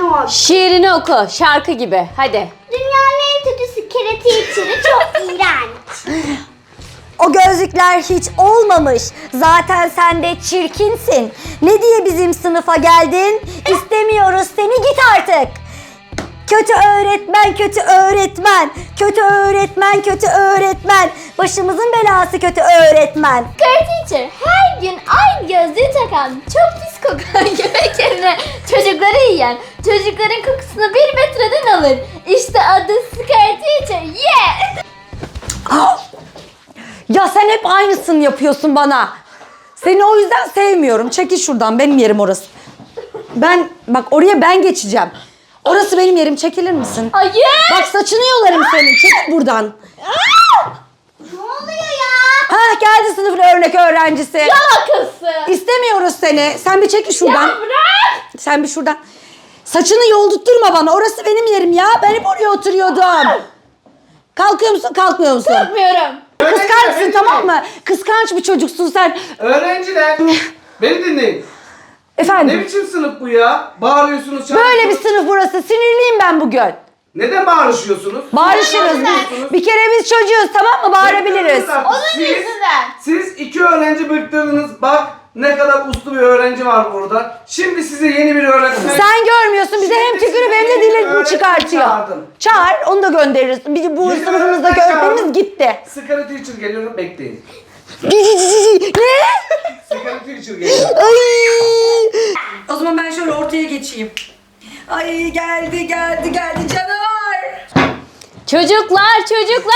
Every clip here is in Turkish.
not. Şiirini oku. Şarkı gibi. Hadi. Dünyanın en kötü secret teacher'ı çok iğrenç. O gözlükler hiç olmamış. Zaten sen de çirkinsin. Ne diye bizim sınıfa geldin? İstemiyoruz seni, git artık. Kötü öğretmen, kötü öğretmen. Kötü öğretmen, kötü öğretmen. Başımızın belası kötü öğretmen. Secret teacher her gün aynı gözlüğü takan, çok pis kokan yemek yerine çocukları yiyen, çocukların kokusunu 1 metreden alır. İşte adı Secret teacher. Yeah! Ya sen hep aynısını yapıyorsun bana. Seni o yüzden sevmiyorum. Çekil şuradan, benim yerim orası. Bak oraya ben geçeceğim. Orası benim yerim, çekilir misin? Hayır. Bak saçını yolarım senin, çekil buradan. Ne oluyor ya? Ha geldi sınıfın örnek öğrencisi. Yalakası. İstemiyoruz seni. Sen bir çekil şuradan. Ya bırak. Sen bir şuradan. Saçını yoldurtturma bana. Orası benim yerim ya. Ben hep oraya oturuyordum. Kalkıyor musun, kalkmıyor musun? Yapmıyorum. Kıskançsın, tamam mı? Kıskanç bir çocuksun sen. Öğrenciler, beni dinleyin. Ne Efendim? biçim sınıf bu ya? Bağırıyorsunuz, Böyle bir çağırıyorsunuz. sınıf burası. Sinirliyim ben bugün. Neden bağırışıyorsunuz? Bağırışırız biz. Bir kere biz çocuğuz, tamam mı? Bağırabiliriz. Bıktırdınız artık. Onun yüzünden. Siz 2 öğrenci bıktırdınız. Bak ne kadar uslu bir öğrenci var burada. Şimdi size yeni bir öğretmen... Sen görmüyorsun. Bize hem tükürüp hem de dilini çıkartıyor. çağırdım. Çağır, onu da göndeririz. Bu Yeni sınıfımızdaki öğretmen öğretmenimiz çağırdım. gitti. Secret teacher geliyorum, bekleyin. Ne? Secret teacher geliyor. Ay! O zaman ben şöyle ortaya geçeyim. Ay geldi canavar. Çocuklar.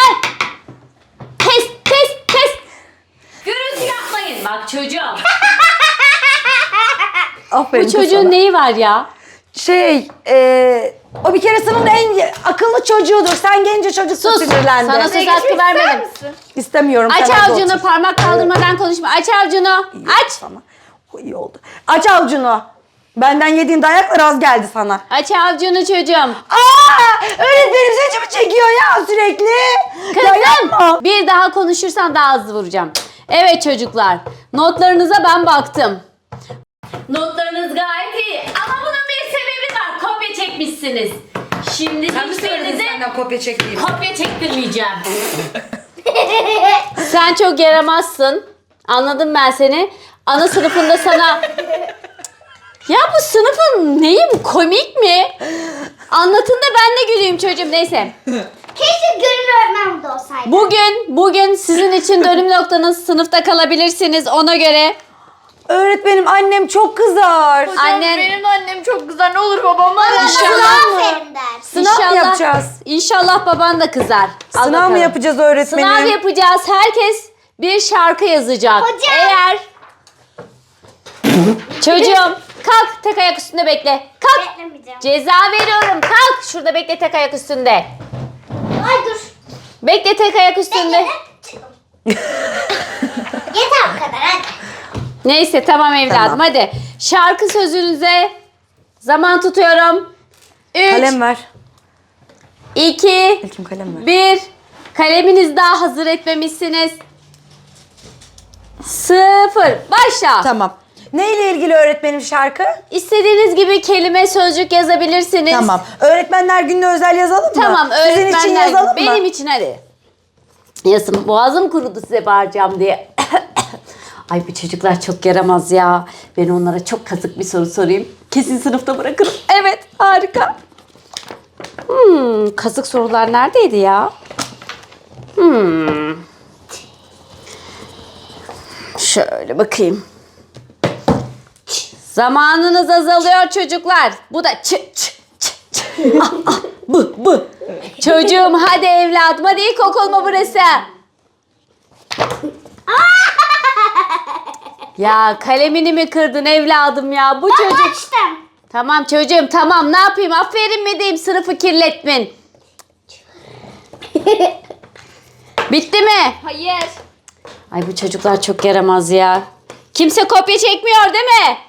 Kes. Gürültü yapmayın. Bak çocuğum. Aferin Bu çocuğun sana. neyi var ya? O bir kere sınıfın en akıllı çocuğudur. Sen gence çocuksun, Sus. sinirlendi. Sana söz hakkı vermedim. İstemiyorum. Aç sen orada avucunu, otur. parmak kaldırmadan konuşma. Aç avucunu. Aç. Sana. O iyi oldu. Aç avucunu. Benden yediğin dayaklar az geldi sana. Aç avucunu çocuğum. Öğretmenim saçımı çekiyor ya sürekli. Ya yapma. Kızım bir daha konuşursan daha hızlı vuracağım. Evet çocuklar, notlarınıza ben baktım. Notlarınız gayet iyi ama bunun bir sebebi var. Kopya çekmişsiniz. Şimdi hiçbirinize kopya çektiğim? kopya çektirmeyeceğim. Sen çok yaramazsın. Anladım ben seni. Ana sınıfında sana... Ya bu sınıfın neyi bu? Komik mi? Anlatın da ben de güleyim çocuğum. Neyse. Keşke gönül öğretmen burada olsaydı. Bugün sizin için dönüm noktanız, sınıfta kalabilirsiniz ona göre. Öğretmenim annem çok kızar. Annen Benim annem çok güzel, ne olur babama. İnşallah mı? Aferin der. Sınav mı yapacağız? İnşallah baban da kızar. Al Sınav bakalım. mı yapacağız öğretmenim? Sınav yapacağız. Herkes bir şarkı yazacak. Hocam. Eğer çocuğum kalk, tek ayak üstünde bekle. Kalk. Beklemeyeceğim. Ceza veriyorum. Kalk. Şurada bekle, tek ayak üstünde. Ay dur. Bekle, tek ayak üstünde. Yeter bu kadar hadi. Neyse tamam evladım, Tamam. hadi. Şarkı sözünüze zaman tutuyorum. 3, Kalem ver. 2, İlkim kalem ver. 1. Kaleminiz daha hazır etmemişsiniz. 0. Başla. Tamam. Neyle ilgili öğretmenim şarkı? İstediğiniz gibi kelime, sözcük yazabilirsiniz. Tamam. Öğretmenler gününe özel yazalım mı? Tamam, Sizin için öğretmenler. yazalım mı? Benim için hadi. Yazın, boğazım kurudu size bağıracağım diye. Ay bu çocuklar çok yaramaz ya. Ben onlara çok kazık bir soru sorayım. Kesin sınıfta bırakırım. Evet, harika. Kazık sorular neredeydi ya? Şöyle bakayım. Zamanınız azalıyor çocuklar. Bu da bu. Çocuğum hadi evladım, hadi ilkokul mu burası? Ya kalemini mi kırdın evladım ya? Bu çocuk... Açtım. Tamam çocuğum tamam, ne yapayım, aferin mi diyeyim, sınıfı kirletmin. Bitti mi? Hayır. Ay bu çocuklar çok yaramaz ya. Kimse kopya çekmiyor değil mi?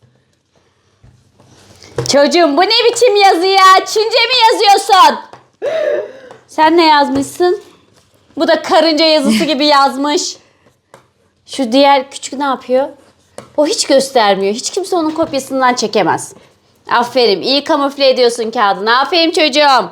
Çocuğum bu ne biçim yazı ya? Çince mi yazıyorsun? Sen ne yazmışsın? Bu da karınca yazısı gibi yazmış. Şu diğer küçük ne yapıyor? O hiç göstermiyor. Hiç kimse onun kopyasından çekemez. Aferin. İyi kamufle ediyorsun kağıdını. Aferin çocuğum.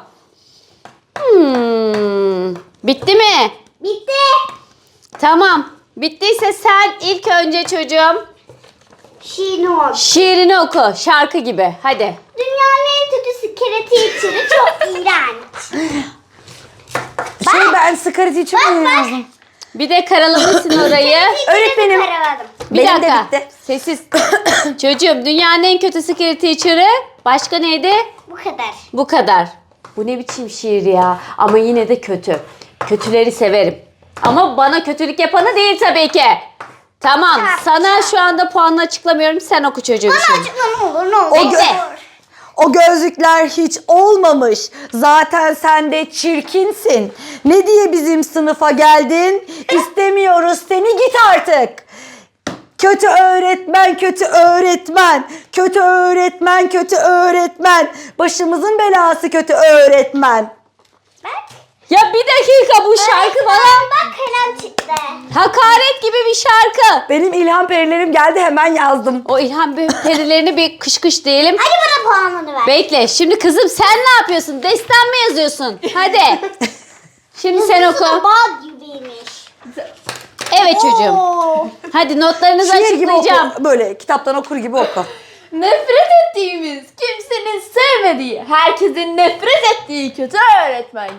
Bitti mi? Bitti. Tamam. Bittiyse sen ilk önce çocuğum Şirin. şiirini oku. Şarkı gibi. Hadi. Dünyanın en kötüsü kereti içeri çok iğrenç. Ben Scarlet için mi yazdım? Bir de karalamışsın orayı. Öğretmenim. Karaladım. Bir Benim de dakika. bitti. Sessiz. Çocuğum dünyanın en kötü secret teacher'ı. Başka neydi? Bu kadar. Bu kadar. Bu ne biçim şiir ya. Ama yine de kötü. Kötüleri severim. Ama bana kötülük yapanı değil tabii ki. Tamam. Sana şu anda puanını açıklamıyorum. Sen oku çocuğum şimdi. Açıkla ne olur ne olur. Bekle. O gözlükler hiç olmamış. Zaten sen de çirkinsin. Ne diye bizim sınıfa geldin? İstemiyoruz seni, git artık. Kötü öğretmen, kötü öğretmen. Kötü öğretmen, kötü öğretmen. Başımızın belası kötü öğretmen. Ya bir dakika, bu şarkı bana Bak kalem çıktı. hakaret gibi bir şarkı. Benim ilham perilerim geldi, hemen yazdım. O ilham perilerini bir kış kış diyelim. Hadi bana puanını ver. Bekle. Şimdi kızım sen ne yapıyorsun? Destan mı yazıyorsun? Hadi. Şimdi sen oku. Bal gibiymiş. Evet çocuğum. Hadi notlarınızı Şiir gibi açıklayacağım. oku. Böyle kitaptan okur gibi oku. Nefret ettiğimiz, kimsenin sevmediği, herkesin nefret ettiği kötü öğretmen.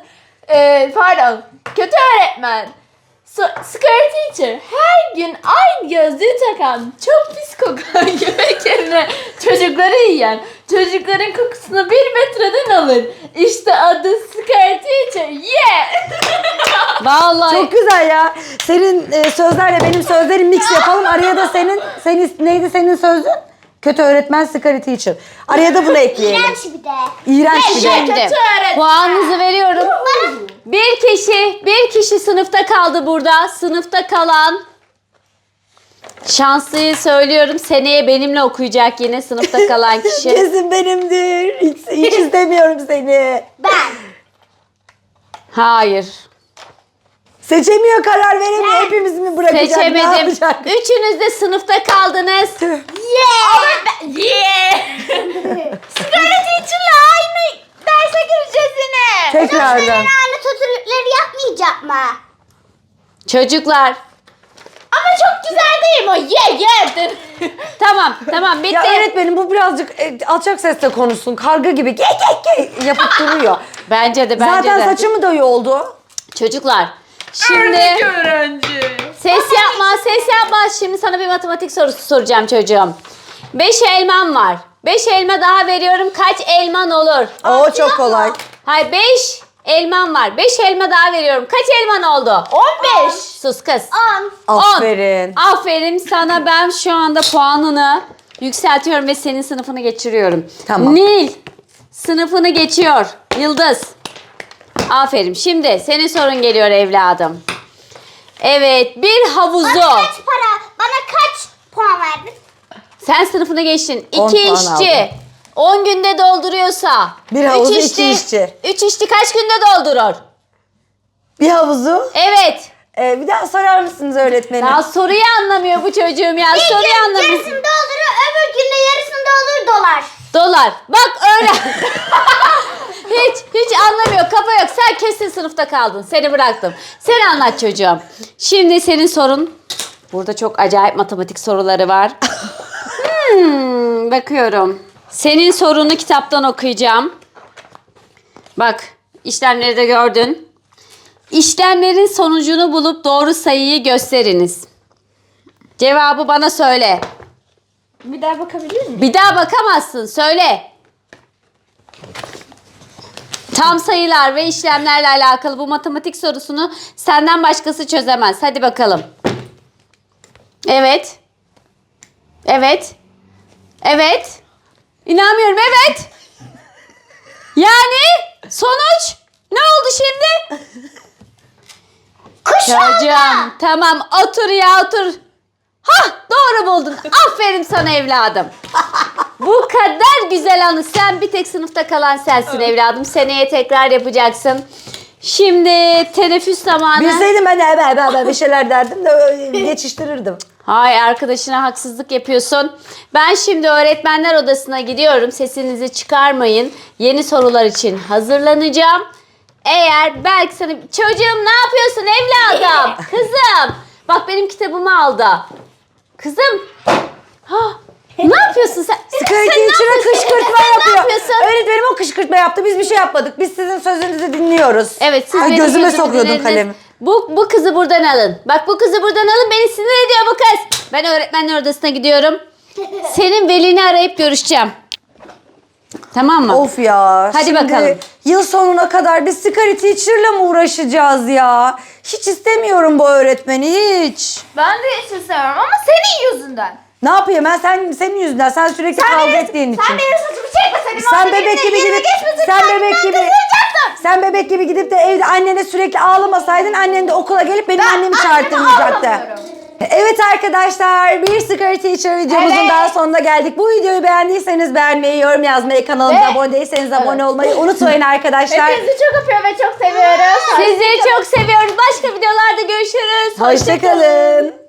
Kötü öğretmen. Scare teacher. Her gün aynı gözlüğü takan, çok pis kokan yemek yerine çocukları yiyen, çocukların kokusunu 1 metreden alır. İşte adı Scare teacher. Yeah! Vallahi. Çok güzel ya. Senin sözlerle benim sözlerim mix yapalım. Araya da senin neydi senin sözün? Kötü öğretmen, Scarlet teacher. Araya da bunu ekleyelim. İğrenç bir de. İğrenç bir de. Şimdi Kötü öğretmen. puanınızı veriyorum. Bir kişi sınıfta kaldı burada. Sınıfta kalan şanslıyı söylüyorum. Seneye benimle okuyacak yine sınıfta kalan kişi. Kesin benimdir. Hiç istemiyorum seni. Ben. Hayır. Seçemiyor, karar veremiyor. Hepimiz mi bırakacak? Ne Seçemedim. yapacak? Üçünüz de sınıfta kaldınız. Tüh. Yeah! Scare teacher'la aynı derse gireceğiz yine. Tekrardan. Aynı kötülükleri yapmayacak mı? Çocuklar. Ama çok güzel değil mi o? Yeah! Tamam bitti. Ya öğretmenim, bu birazcık alçak sesle konuşsun. Karga gibi ge yapıp duruyor. Bence de Zaten saçımı da yoldu. Çocuklar. Şimdi ses yapma. Şimdi sana bir matematik sorusu soracağım çocuğum. 5 elman var. 5 elma daha veriyorum. Kaç elman olur? Oo, çok kolay. Hayır, 5 elman var. 5 elma daha veriyorum. Kaç elman oldu? 15. Sus kız. 10. 10. Aferin. Aferin sana, ben şu anda puanını yükseltiyorum ve senin sınıfını geçiriyorum. Tamam. Nil sınıfını geçiyor. Yıldız. Aferin. Şimdi senin sorun geliyor evladım. Evet, bir havuzu. Bana kaç puan verdin? Sen sınıfını geçtin. 10 2 puan işçi aldım. 10 günde dolduruyorsa. Bir havuzu 2 işçi. 3 işçi kaç günde doldurur? Bir havuzu. Evet. Bir daha sorar mısınız öğretmenim? Ya soruyu anlamıyor bu çocuğum ya. Soruyu anlamıyor. Yarısını doldurur, öbür günde yarısını doldur dolar. Dolar. Bak öyle. hiç anlamıyor. Kafa yok. Sen kesin sınıfta kaldın. Seni bıraktım. Sen anlat çocuğum. Şimdi senin sorun. Burada çok acayip matematik soruları var. Bakıyorum. Senin sorunu kitaptan okuyacağım. Bak, işlemleri de gördün. İşlemlerin sonucunu bulup doğru sayıyı gösteriniz. Cevabı bana söyle. Bir daha bakabilir miyim? Bir daha bakamazsın. Söyle. Tam sayılar ve işlemlerle alakalı bu matematik sorusunu senden başkası çözemez. Hadi bakalım. Evet. İnanmıyorum. Evet. Yani sonuç ne oldu şimdi? Çocuğum, tamam otur ya otur. Hah, doğru buldun. Aferin sana evladım. Bu kadar güzel anı. Sen bir tek sınıfta kalan sensin evladım. Seneye tekrar yapacaksın. Şimdi teneffüs zamanı. Bilseydim ben bir şeyler derdim de geçiştirirdim. Hay, arkadaşına haksızlık yapıyorsun. Ben şimdi öğretmenler odasına gidiyorum. Sesinizi çıkarmayın. Yeni sorular için hazırlanacağım. Eğer belki sana... Çocuğum ne yapıyorsun evladım? Kızım. Bak benim kitabımı aldı. Kızım. Ha, ne yapıyorsun sen? Security Sen ne içine yapıyorsun? kışkırtma Sen yapıyor. Ne yapıyorsun? Öğretmenim o kışkırtma yaptı. Biz bir şey yapmadık. Biz sizin sözünüzü dinliyoruz. Evet, siz Ay, benim gözüme gözümü sokuyordun dinlediniz. kalemi. Bu kızı buradan alın. Bak bu kızı buradan alın. Beni sinir ediyor bu kız. Ben öğretmenler odasına gidiyorum. Senin velini arayıp görüşeceğim. Tamam mı? Of ya. Hadi şimdi bakalım. Yıl sonuna kadar biz sigara teacher'la mı uğraşacağız ya? Hiç istemiyorum bu öğretmeni hiç. Ben de hiç istemiyorum ama senin yüzünden. Ne yapayım ben senin yüzünden sen sürekli kavga ettiğin için. Sen benim saçımı çekmeseydin. Sen orada bebek benimle gibi yerine gidip geçmeseydin, sen ben bebek gibi kızılacaktım. sen bebek gibi gidip de evde annene sürekli ağlamasaydın annen de okula gelip benim annemi çağırtmayacaktı. ağlamıyorum. Evet arkadaşlar bir Sigara Teacher videomuzun Evet. daha sonuna geldik. Bu videoyu beğendiyseniz beğenmeyi, yorum yazmayı, kanalımıza Ve- abone değilseniz abone olmayı unutmayın arkadaşlar. Hepinizi çok öpüyorum ve çok seviyoruz. Sizi çok seviyoruz. Başka videolarda görüşürüz. Hoşçakalın.